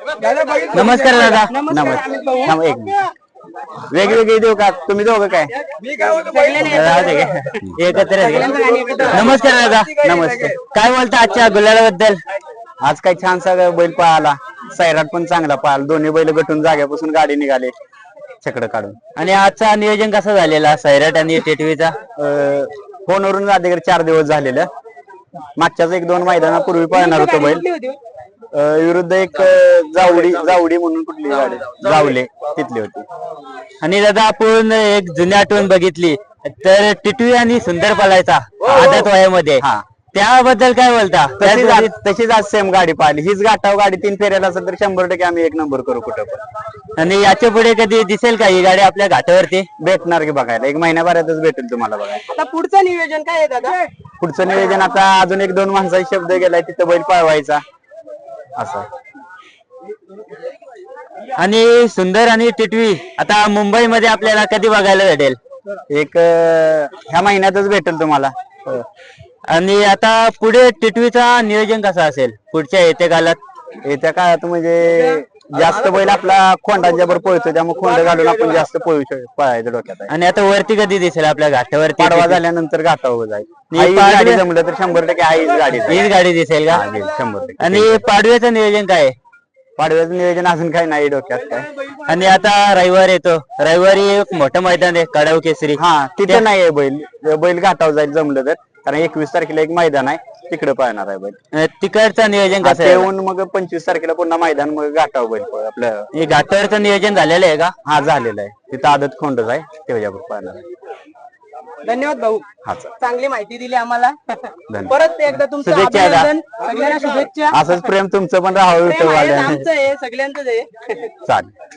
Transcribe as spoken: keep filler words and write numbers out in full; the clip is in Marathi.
नमस्कार दादा. नमस्कार. एक मिनिट वेगवेगळे देऊ का तुम्ही दोघं काय एकत्र आहे का? नमस्कार दादा. नमस्कार. काय बोलता आजच्या गुलालाबद्दल? आज काय छान सगळं बैल पळाला, सैराट पण चांगला पळाला, दोन्ही बैल गटून जाग्यापासून गाडी निघाले छकडं काढून. आणि आजचा नियोजन कसं झालेला सैराट आणि टेटवीचा? फोनवरून आधीकडे चार दिवस झालेलं, मागच्याच एक दोन मैदानापूर्वी पळणार होतो बैल विरुद्ध एक जावडी जावडी म्हणून कुठली गाडी जावले तिथली होती. आणि दादा आपण एक जुनी आठवण बघितली तर टिटवी आणि सुंदर पळायचा आदत वयामध्ये, त्याबद्दल काय बोलता? तशीच आज सेम गाडी पाहिली, हीच गाठाव गाडी तीन फेऱ्याला असेल तर शंभर टक्के आम्ही एक नंबर करू कुठं पण. आणि याच्या पुढे कधी दिसेल का ही गाडी आपल्या घाटावरती? भेटणार की बघायला, एक महिन्याभरातच भेटेल तुम्हाला बघायला. आता पुढचं नियोजन काय आहे दादा? पुढचं नियोजन आता अजून एक दोन माणसाचा शब्द गेलाय, तिथं बैल पळवायचा असं. आणि सुंदर आणि टिटवी आता मुंबईमध्ये आपल्याला कधी बघायला भेटेल? एक ह्या महिन्यातच भेटेल तुम्हाला. आणि आता पुढे टिटवीचा नियोजन कसं असेल पुढच्या येत्या काळात? येत्या काळात म्हणजे जास्त बैल आपला खोंडांच्या बरोबर पळतो, त्यामुळे खोंड घालून आपण जास्त पळू शकतो पळायचं डोक्यात. आणि आता वरती कधी दिसेल आपल्या घाटावरती? पाडवा झाल्यानंतर घाटावर जाईल, गाडी जमलं तर शंभर टक्के हीच गाडी हीच गाडी दिसेल का? शंभर टक्के. आणि पाडव्याचं नियोजन काय आहे? पाडव्याचं नियोजन अजून काही नाही डोक्यात काय. आणि आता रविवार येतो, रविवारी एक मोठं मैदान आहे कडाव केसरी, हा तिथे नाही आहे बैल, बैल घाटावर जाईल जमलं तर, कारण एकवीस तारखेला एक मैदान आहे तिकडे पळणार आहे बैल. तिकडचं नियोजन कसं येऊन मग पंचवीस तारखेला पुन्हा मैदान, मग घाटावर बैल आपलं. हे घाटावरचं नियोजन झालेलं आहे का? हा झालेलं आहे, तिथं आदत खोंडच आहे त्याच्यावर पळणार आहे. धन्यवाद भाऊ, हा चांगली माहिती दिली आम्हाला. परत एकदा तुमचं अभिनंदन, सगळ्यांना शुभेच्छा. असंच प्रेम तुमचं पण राहावं आमचं आहे, सगळ्यांचंच आहे. चालेल.